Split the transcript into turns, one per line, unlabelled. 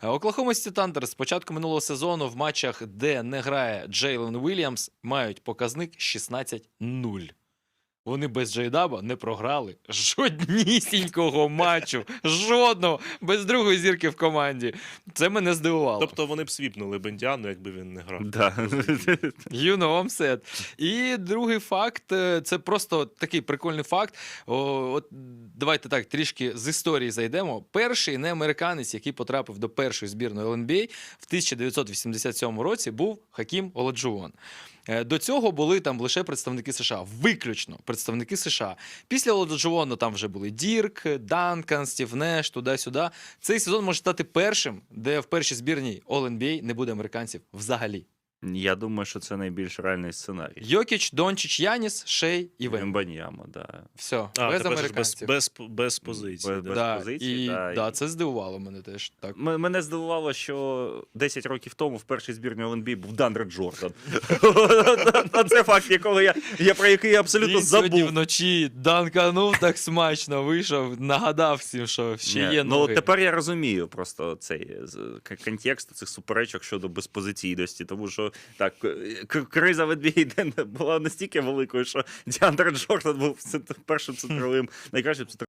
Оклахома Сіті Тандер з початку минулого сезону в матчах, де не грає Джейлен Уільямс, мають показник 16-0. Вони без Джейдаба не програли жоднісінького матчу. Жодного. Без другої зірки в команді. Це мене здивувало.
Тобто вони б свіпнули Бендіану, якби він не грав.
Да.
You know I'm sad. І другий факт, це просто такий прикольний факт. От давайте так, трішки з історії зайдемо. Перший неамериканець, який потрапив до першої збірної ЛНБА в 1987 році, був Хакім Оладжуон. До цього були там лише представники США, виключно представники США. Після Оладжуону там вже були Дірк, Данкан, Стів Неш, туди-сюди. Цей сезон може стати першим, де в першій збірній All-NBA не буде американців взагалі.
Я думаю, що це найбільш реальний сценарій.
Йокіч, Дончич, Яніс, Шей і Вем.
Вембаньяма, да.
Все, без
Тепер ж
американців.
без позиції.
Без
Да,
позиції,
і,
да.
це здивувало мене теж. Так.
Мене здивувало, що 10 років тому в першій збірній ЛНБА був Дандре Джордан. Це факт, про який я абсолютно
Він сьогодні
забув.
вночі данканув так смачно, вийшов, нагадав всім, що ще
Ні,
є
ну
ноги.
тепер я розумію просто цей контекст цих суперечок щодо безпозиційності, тому що так, криза в NBA була настільки великою, що Діандре Джордан був першим центровим, найкращим центровим